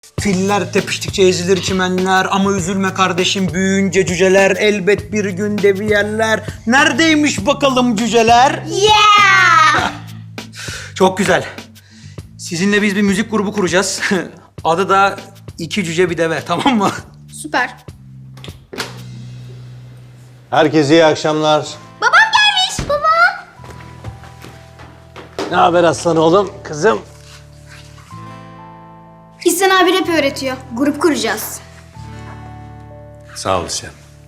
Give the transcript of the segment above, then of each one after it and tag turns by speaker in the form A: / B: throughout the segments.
A: Filler tepiştikçe ezilir çimenler ama üzülme kardeşim büyüyünce cüceler elbet bir gün devi yerler. Neredeymiş bakalım cüceler?
B: Yeah!
A: Çok güzel. Sizinle biz bir müzik grubu kuracağız. Adı da İki Cüce Bir Deve, tamam mı?
B: Süper.
C: Herkese iyi akşamlar.
B: Babam gelmiş baba.
C: Ne haber aslan oğlum? Kızım.
B: İhsan abi rap öğretiyor. Grup kuracağız.
C: Sağ olasın.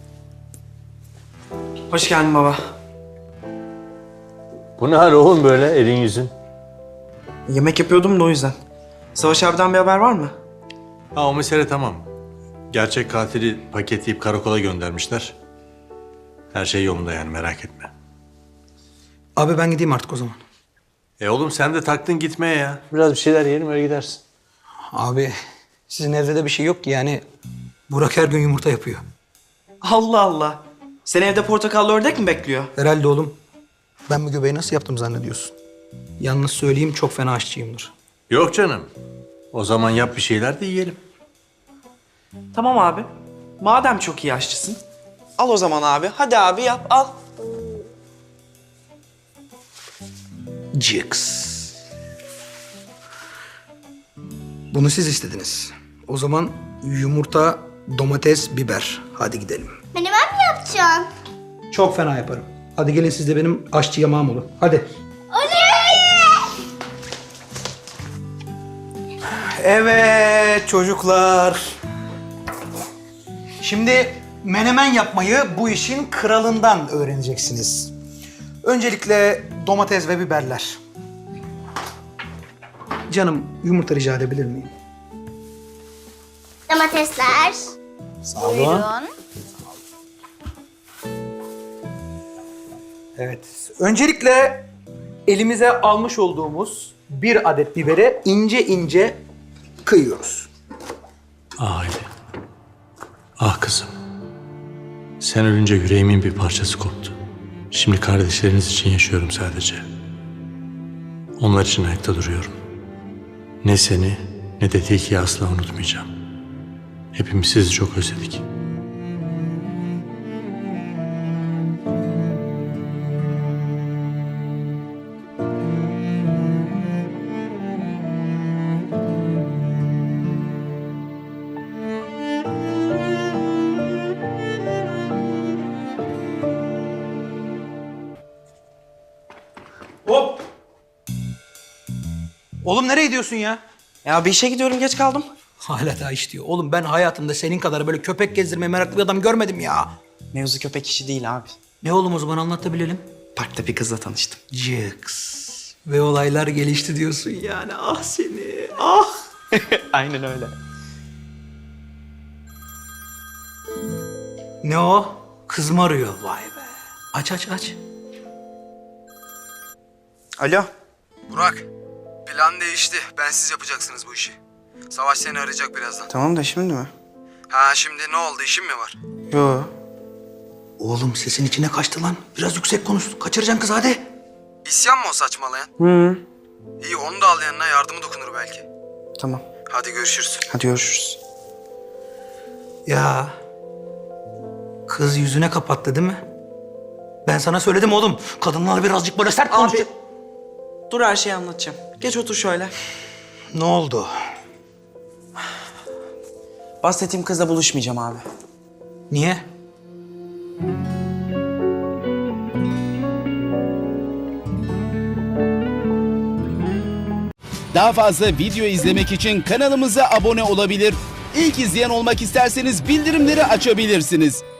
D: Hoş geldin baba.
C: Bu ne hal oğlum böyle elin yüzün?
D: Yemek yapıyordum da o yüzden. Savaş abiden bir haber var mı?
E: Ha, o mesele tamam. Gerçek katili paketleyip karakola göndermişler. Her şey yolunda yani, merak etme.
A: Abi ben gideyim artık o zaman.
E: Oğlum sen de taktın gitmeye ya.
C: Biraz bir şeyler yiyelim öyle gidersin.
A: Abi sizin evde de bir şey yok ki yani. Burak her gün yumurta yapıyor.
D: Allah Allah. Seni evde portakallı ördek mi bekliyor?
A: Herhalde oğlum. Ben bu göbeği nasıl yaptım zannediyorsun? Yalnız söyleyeyim çok fena aşçıyımdır.
E: Yok canım. O zaman yap bir şeyler de yiyelim.
D: Tamam abi. Madem çok iyi aşçısın. Al o zaman abi. Hadi abi yap al.
A: Cix. Bunu siz istediniz. O zaman yumurta, domates, biber. Hadi gidelim.
B: Menemen mi yapacaksın?
A: Çok fena yaparım. Hadi gelin siz de benim aşçı yamağım olun. Hadi. Evet çocuklar. Şimdi menemen yapmayı bu işin kralından öğreneceksiniz. Öncelikle domates ve biberler. Canım yumurta rica edebilir miyim?
B: Domatesler.
C: Sağ olun.
A: Evet. Öncelikle elimize almış olduğumuz bir adet biberi ince ince kıyıyoruz.
E: Ah Hayri. Ah kızım. Sen ölünce yüreğimin bir parçası koptu. Şimdi kardeşleriniz için yaşıyorum sadece. Onlar için ayakta duruyorum. Ne seni ne de Tilki'yi asla unutmayacağım. Hepimiz sizi çok özledik.
A: Hop! Oğlum nereye gidiyorsun ya?
D: Ya bir işe gidiyorum geç kaldım.
A: Hala daha iş diyor. Oğlum ben hayatımda senin kadar böyle köpek gezdirmeye meraklı bir adam görmedim ya.
D: Mevzu köpek işi değil abi.
A: Ne oğlum o zaman anlat da bilelim.
D: Parkta bir kızla tanıştım.
A: Cix. Ve olaylar gelişti diyorsun yani. Ah seni, ah.
D: Aynen öyle.
A: Ne o? Kız mı arıyor? Vay be. Aç aç aç.
D: Alo.
F: Burak, plan değişti. Bensiz yapacaksınız bu işi. Savaş seni arayacak birazdan.
D: Tamam da şimdi mi?
F: Ha şimdi ne oldu? İşin mi var?
D: Yo.
A: Oğlum sesin içine kaçtı lan. Biraz yüksek konuş. Kaçıracaksın kız hadi.
F: İsyan mı o saçmalayan?
D: Hı.
F: İyi onu da al yanına, yardımı dokunur belki.
D: Tamam.
F: Hadi görüşürüz.
D: Hadi görüşürüz.
A: Ya. Kız yüzüne kapattı değil mi? Ben sana söyledim oğlum. Kadınlar birazcık böyle sert konuş.
D: Abi. Dur her şeyi anlatacağım. Geç otur şöyle.
A: Ne oldu?
D: Bahsettiğim kızla buluşmayacağım abi.
A: Niye?
G: Daha fazla video izlemek için kanalımıza abone olabilir. İlk izleyen olmak isterseniz bildirimleri açabilirsiniz.